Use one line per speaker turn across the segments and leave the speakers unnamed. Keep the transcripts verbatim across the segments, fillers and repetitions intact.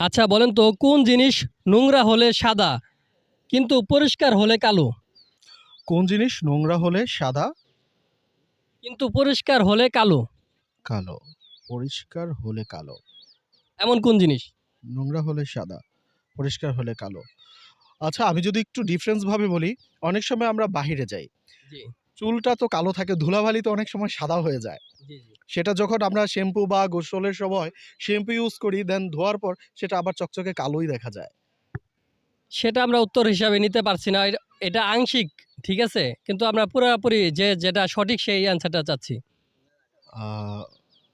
আচ্ছা বলেন তো কোন জিনিস নোংরা হলে সাদা কিন্তু পরিষ্কার হলে কালো?
কোন জিনিস নোংরা হলে সাদা
কিন্তু পরিষ্কার হলে কালো?
কালো পরিষ্কার হলে কালো
এমন কোন জিনিস?
নোংরা হলে সাদা পরিষ্কার হলে কালো। আচ্ছা আমি যদি একটু ডিফারেন্স ভাবে বলি, অনেক সময় আমরা বাহিরে যাই,
জি
চুলটা তো কালো থাকে, ধুলাবালি তো অনেক সময় সাদা হয়ে যায়।
জি জি
সেটা যখন আমরা শ্যাম্পু বা গোসলের সময় শ্যাম্পু ইউজ করি, দেন ধোয়ার পর সেটা আবার চকচকে কালোই দেখা যায়।
সেটা আমরা উত্তর হিসাবে নিতে পারছি না, এটা- এটা আংশিক, ঠিক আছে, কিন্তু আমরা পুরোপুরি যে যেটা সঠিক সেই অ্যান্সারটা চাচ্ছি।
আহ,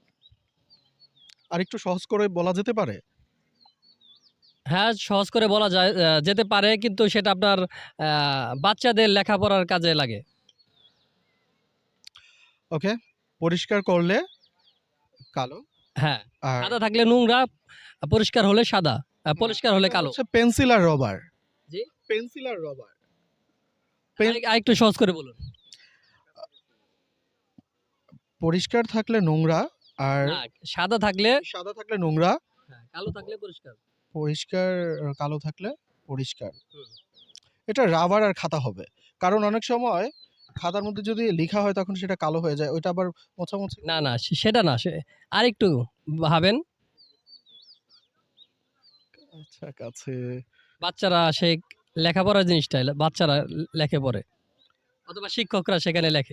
আর একটু সহজ করে বলা যেতে পারে।
হ্যাঁ সহজ করে বলা যায়, আহ, যেতে পারে, কিন্তু সেটা আপনার আহ, বাচ্চাদের লেখাপড়ার কাজে লাগে।
ওকে, পরিষ্কার করলে কালো।
হ্যাঁ,
আর
সাদা থাকলে নোংরা, পরিষ্কার হলে সাদা, আহ, পরিষ্কার হলে
এটা
কালো।
হচ্ছে পেন্সিল আর রবার।
জি,
পেন্সিল আর রবার
আরেক- আরেকটু সহজ করে বলুন।
পরিষ্কার থাকলে নোংরা, আর
না, সাদা থাকলে
সাদা থাকলে নোংরা,
হ্যাঁ, কালো থাকলে পরিষ্কার।
পরিষ্কার আহ, কালো থাকলে পরিষ্কার।
হুম।
এটা রাবার আর খাতা হবে, কারণ অনেক সময় খাতার মধ্যে যদি লেখা হয় তখন সেটা কালো হয়ে যায়, ওইটা আবার মোছামুছি
না না সে- সেটা না, সে আরেকটু ভাবেন।
আচ্ছা কাছে।
বাচ্চারা সেই লেখাপড়ার জিনিসটা বাচ্চারা লেখে পড়ে, অথবা শিক্ষকরা সেখানে লেখে।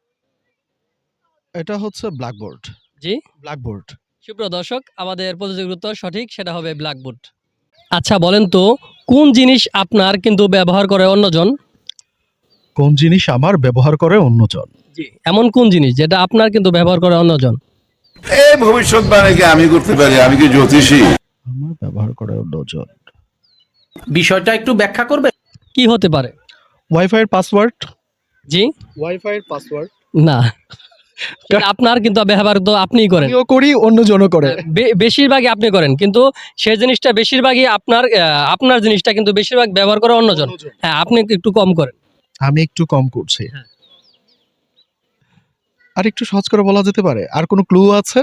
এটা হচ্ছে ব্ল্যাকবোর্ড।
জি,
ব্ল্যাকবোর্ড
সুপ্রিয় দর্শক, আমাদের প্রতিযোগিতার উত্তর সঠিক, সেটা হবে ব্ল্যাকবোর্ড। আচ্ছা বলেন তো কোন জিনিস আপনার কিন্তু ব্যবহার করে অন্যজন?
কোন জিনিস আমার ব্যবহার করে অন্যজন?
জি, এমন কোন জিনিস যেটা আপনার কিন্তু ব্যবহার করে অন্যজন?
এই ভবিষ্যৎবাণী কি আমি করতে পারি? আমি কি জ্যোতিষী?
আমার ব্যবহার করে অন্যজন।
বিষয়টা একটু ব্যাখ্যা করবে?
কি হতে পারে?
ওয়াইফাই এর পাসওয়ার্ড।
জি,
ওয়াইফাই এর পাসওয়ার্ড
না, সেটা আপনার কিন্তু ব্যবহার তো আপনিই করেন।
আমিও করি, অন্যজনও করে।
বে- বেশিরভাগই আপনি করেন, কিন্তু সেই জিনিসটা বেশিরভাগই আপনার, আহ, আপনার জিনিসটা কিন্তু বেশিরভাগ ব্যবহার করে অন্যজন।
অন্যজন।
হ্যাঁ, আপনি একটু কম করেন।
আমি একটু কম করছি।
হ্যাঁ।
আর একটু সহজ করে বলা যেতে পারে, আর কোনো ক্লু আছে?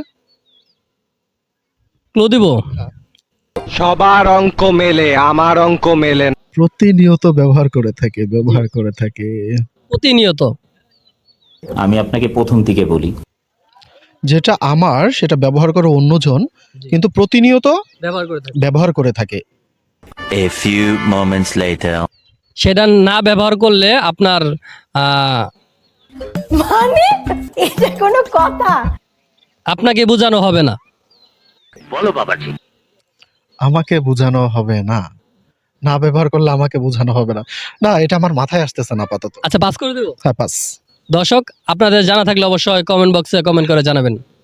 ক্লু দিব?
সবার অঙ্ক মেলে, আমার অঙ্ক মেলে না।
প্রতিনিয়ত ব্যবহার করে থাকে, ব্যবহার করে থাকে।
প্রতিনিয়ত।
আমি আপনাকে প্রথম থেকে বলি,
যেটা আমার সেটা ব্যবহার করে অন্যজন,
জি।
কিন্তু প্রতিনিয়ত
ব্যবহার করে থাকি।
ব্যবহার করে থাকে।
a few moments later.
সেটা না ব্যবহার করলে আপনার আহ,
মানে এটা কোনো কথা?
আপনাকে বোঝানো হবে না।
বলো বাবাজি।
আমাকে বোঝানো হবে না, না ব্যবহার করলে আমাকে বোঝানো হবে না। না, এটা আমার মাথায় আসতেছে না আপাতত।
আচ্ছা পাস করে দেবো।
হ্যাঁ, পাস।
দর্শক, আপনাদের জানা থাকলে অবশ্যই কমেন্ট বক্সে কমেন্ট করে জানাবেন।